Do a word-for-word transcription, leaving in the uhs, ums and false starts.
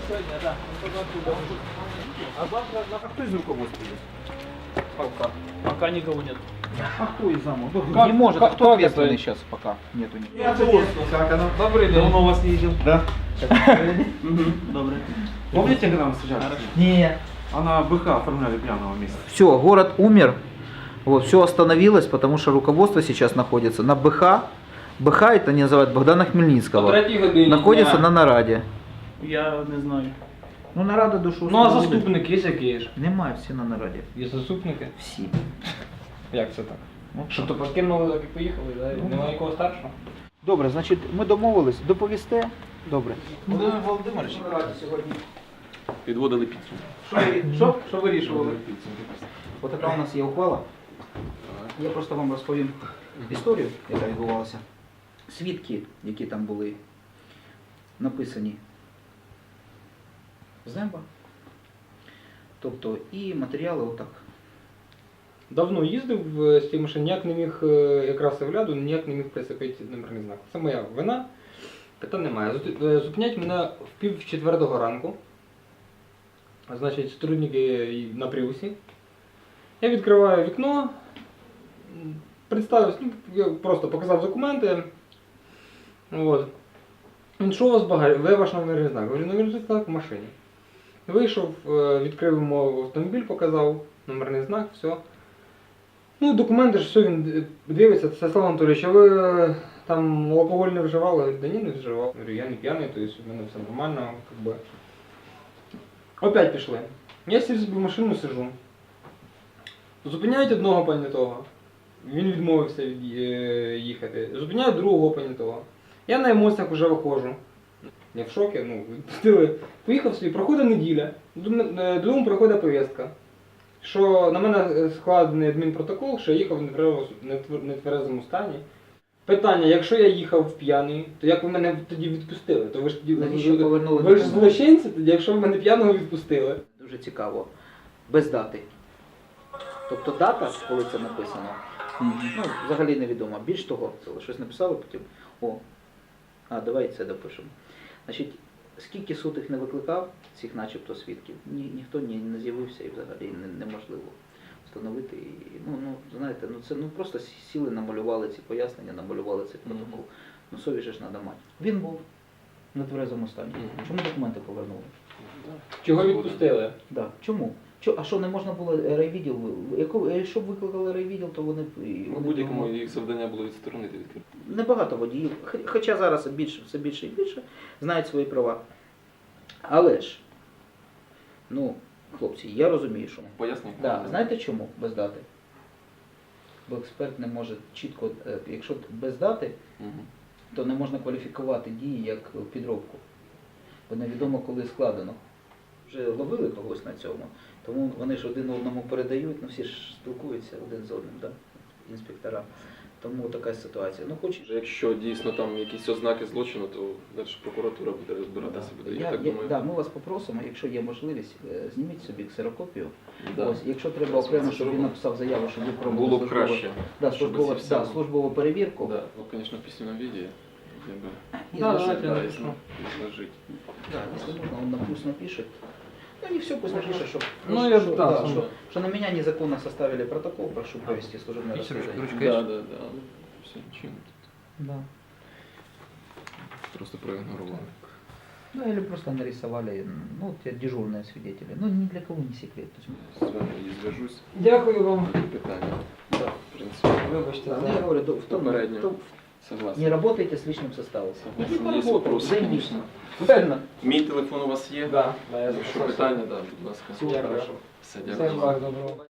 Сегодня, да. А завтра на А кто из руководства есть? пока. Пока никого нет. А кто из замов? Как- Не может, как- а кто как ответственный это? сейчас пока? Нету никого. Я ответственный. Как оно? Добрый день. Давно вас не видел. Да? Добрый. Помните, когда мы встречались? Нет. А на БХ оформляли пьяного месяца. Все, город умер, вот, все остановилось, потому что руководство сейчас находится на БХ. БХ это не называют Богдана Хмельницкого. Находится на нараді. Я не знаю. Ну нарада душу. Ну а заступники є які ж? Немає, всі на нараді. Є заступники? Всі. Як це так? Ну, Що то покинули, так і поїхали, да? Ну, Немає нікого старшого? Добре, значить, ми домовились, доповісте. Добре. Володимир Володимирович, сьогодні. Підводили підсумки. Що, ви- що, що вирішували? Отака у нас є ухвала. Я просто вам розповім історію, яка відбувалася. Свідки, які там були написані з неба. Тобто і матеріали отак. Давно їздив е, з тієї машини, ніяк не міг, е, якраз огляду, ніяк не міг прицепити номерний знак. Це моя вина, питань немає. Зу- е, Зупинять мене в пів четвертого ранку. Значить, сотрудники на Пріусі. Я відкриваю вікно, м, представився, ну, я просто показав документи. От. Він що у вас багаж? Ви ваш номерний знак? Говорю, номерний знак в машині. Вийшов, е, відкрив йому автомобіль, показав, номерний знак, все. Ну, документи ж все, він дивиться, це Слава Анатолійович, а ви е, там алкоголь не вживали? Говорю, да ні, не вживав. Говорю, я не п'яний, то есть у мене все нормально, как бы. Опять пішли. Я сів собі в машину сижу. Зупиняють одного понятого. Він відмовився від, е, їхати. Зупиняють другого понятого. Я на емоціях вже виходжу. Я в шокі, ну, відпустили. Поїхав собі, проходить неділя, додому приходить повістка, що на мене складений адмінпротокол, що я їхав в нетверезому- нетвер- нетверезому стані. Питання, якщо я їхав п'яний, то як ви мене тоді відпустили? То ви ж тоді Навіщо повернули ви ж документи? злочинці тоді, якщо ви мене п'яного відпустили. Дуже цікаво. Без дати. Тобто дата, коли це написано, ну, взагалі невідомо. Більш того, це щось написали потім. О, а давай це допишемо. Значить, скільки суд їх не викликав, цих начебто свідків, ні, ніхто ні, не з'явився і взагалі не, неможливо встановити. І, ну, ну, знаєте, ну це ну просто сіли, намалювали ці пояснення, намалювали цей протокол. Ну совість же ж треба мати. Він був на тверезому стані. Чому документи повернули? Чого відпустили? Да. Чому? Чо, а що не можна було райвідділ? Яко- Якщо б викликали райвідділ, то вони б і- У вони б будь-якому могли- їх завдання було відсторонити від керівництва. Небагато водіїв, хо- хоча зараз більше, все більше і більше знають свої права. Але ж, ну, хлопці, я розумію, що. Пояснюю. Да, знаєте чому без дати? Бо експерт не може чітко, е, якщо без дати, Мгм. то не можна кваліфікувати дії як підробку. Бо невідомо, коли складено. Вже ловили когось на цьому, тому вони ж один одному передають, ну всі ж спілкуються один з одним, да? Інспектора. Тому така ситуація. Ну, хоч... Вже Якщо дійсно там якісь ознаки злочину, то далі прокуратура буде розбиратися. буде. Я, Я, так я, думаю. да, ми вас попросимо, якщо є можливість, е, зніміть собі ксерокопію. Да. Ось, якщо треба окремо, щоб він написав заяву, щоб ви пробували Було б краще. да, щоб службову, ці всі- да, службову перевірку. Да. Ну, звісно, в письменном виде. Якби, І Да, зложити. давайте я да, напишу. если изложить. Да, если можно, он на пусть напишет. Ну не все, пусть напишет, что, Ну, что, я что, да, да, сам что, да. что на меня незаконно составили протокол, прошу провести служебное расследование. Да, да, да. Все, ничего. Да. Просто проигнорировали. Ну или просто нарисовали, ну, вот те дежурные свидетели. Ну ни для кого не секрет. То есть, З вами і зв'яжусь. Дякую вам. Питання. да. В принципі, Вибачте, Да, ну, за... я говорю, в том, Попередньо. в том- согласен. не работайте с личным составом. Согласен. Иди Є поработай, вопросы, займись. конечно. Правильно? Мій телефон у вас є? Да, да, я Якщо записався. питання, да, будь ласка. Дякую. Все, Всім дякую. благ, доброго.